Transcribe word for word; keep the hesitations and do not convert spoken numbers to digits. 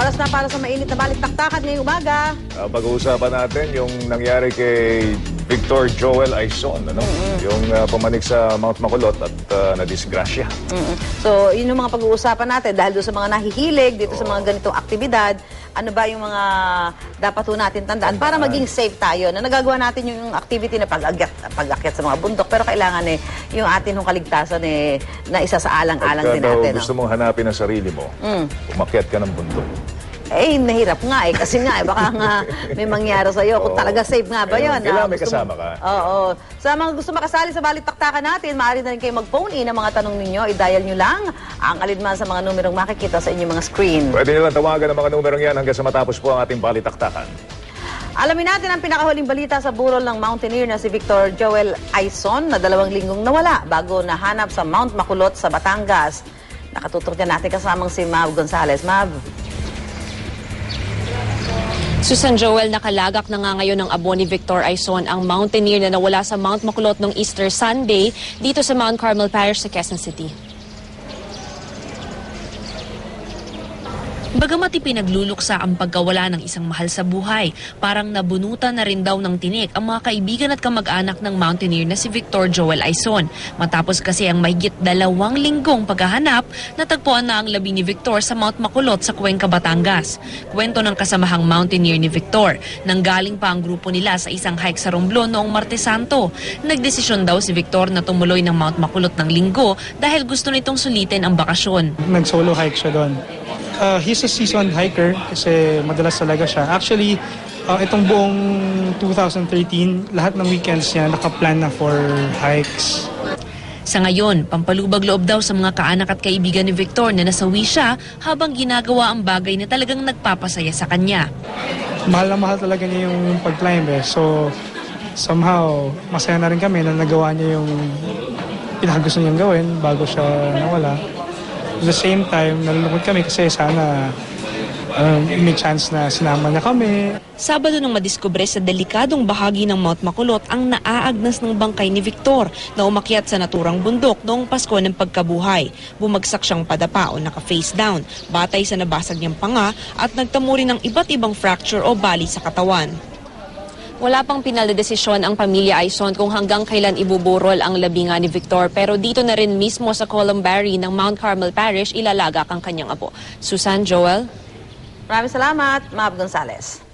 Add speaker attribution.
Speaker 1: Oras na para sa mainit na balik-taktakan ngayong umaga.
Speaker 2: Uh, pag-uusapan natin yung nangyari kay Victor Joel Aizon, ano? Mm-hmm. Yung uh, pumanik sa Mount Makulot at uh, nadisgrasya.
Speaker 1: Mm-hmm. So, yun yung mga pag-uusapan natin dahil doon sa mga nahihilig dito oh. sa mga ganitong aktibidad. Ano ba yung mga dapat po natin tandaan para maging safe tayo na nagagawa natin yung activity na pag-akyat, pag-akyat sa mga bundok pero kailangan eh yung atin yung kaligtasan eh na isa sa alang-alang din natin.
Speaker 2: Pagka gusto
Speaker 1: no?
Speaker 2: mong hanapin ang sarili mo, mm. umakyat ka ng bundok.
Speaker 1: Eh, nahirap nga eh. Kasi nga eh, baka nga may mangyari sa'yo. Kung talaga safe nga ba yun?
Speaker 2: Kailangan may kasama ka.
Speaker 1: Oo. Sa mga gusto makasali sa balik-taktakan natin, maaari na rin kayo mag-phone in ang mga tanong ninyo. I-dial nyo lang ang alinman sa mga numerong makikita sa inyong mga screen.
Speaker 2: Pwede nyo lang tawagan ang mga numerong yan hanggang sa matapos po ang ating balik-taktakan.
Speaker 1: Alamin natin ang pinakahuling balita sa burol ng mountaineer na si Victor Joel Aizon na dalawang linggong nawala bago nahanap sa Mount Makulot sa Batangas. Nakatutok dyan natin kasamang si Mav Gonzalez. Mav.
Speaker 3: Susan Joel, nakalagak na nga ngayon ng abo ni Victor Aizon ang mountaineer na nawala sa Mount Makulot noong Easter Sunday dito sa Mount Carmel Parish sa Quezon City. Bagamat ipinagluluksa ang pagkawala ng isang mahal sa buhay, parang nabunutan na rin daw ng tinik ang mga kaibigan at kamag-anak ng mountaineer na si Victor Joel Aizon. Matapos kasi ang mahigit dalawang linggong paghahanap, natagpuan na ang labi ni Victor sa Mount Makulot sa Cuenca, Batangas. Kwento ng kasamahang mountaineer ni Victor, nanggaling pa ang grupo nila sa isang hike sa Romblon noong Martes Santo. Nagdesisyon daw si Victor na tumuloy ng Mount Makulot ng linggo dahil gusto nitong sulitin ang bakasyon.
Speaker 4: Nag-solo hike siya doon. Uh, he's a seasoned hiker kasi madalas talaga siya. Actually, uh, itong buong two thousand thirteen, lahat ng weekends niya nakaplan na for hikes.
Speaker 3: Sa ngayon, pampalubag loob daw sa mga kaanak at kaibigan ni Victor na nasawi siya habang ginagawa ang bagay na talagang nagpapasaya sa kanya.
Speaker 4: Mahal na mahal talaga niya yung pag-climb eh. So, somehow, masaya na rin kami na nagawa niya yung pinakagusto niyang gawin bago siya nawala. At the same time, nalulungkot kami kasi sana um, may chance na sinama niya kami.
Speaker 3: Sabado nang madiskubre sa delikadong bahagi ng Mount Makulot ang naaagnas ng bangkay ni Victor na umakyat sa naturang bundok noong Pasko ng pagkabuhay. Bumagsak siyang padapa o naka-face down, batay sa nabasag niyang panga at nagtamo rin ng iba't ibang fracture o bali sa katawan. Wala pang pinal na desisyon ang pamilya Aizon kung hanggang kailan ibuburol ang labi nga ni Victor, pero dito na rin mismo sa Columbary ng Mount Carmel Parish ilalagak ang kanyang apo. Susan, Joel?
Speaker 1: Maraming salamat, Mav Gonzalez.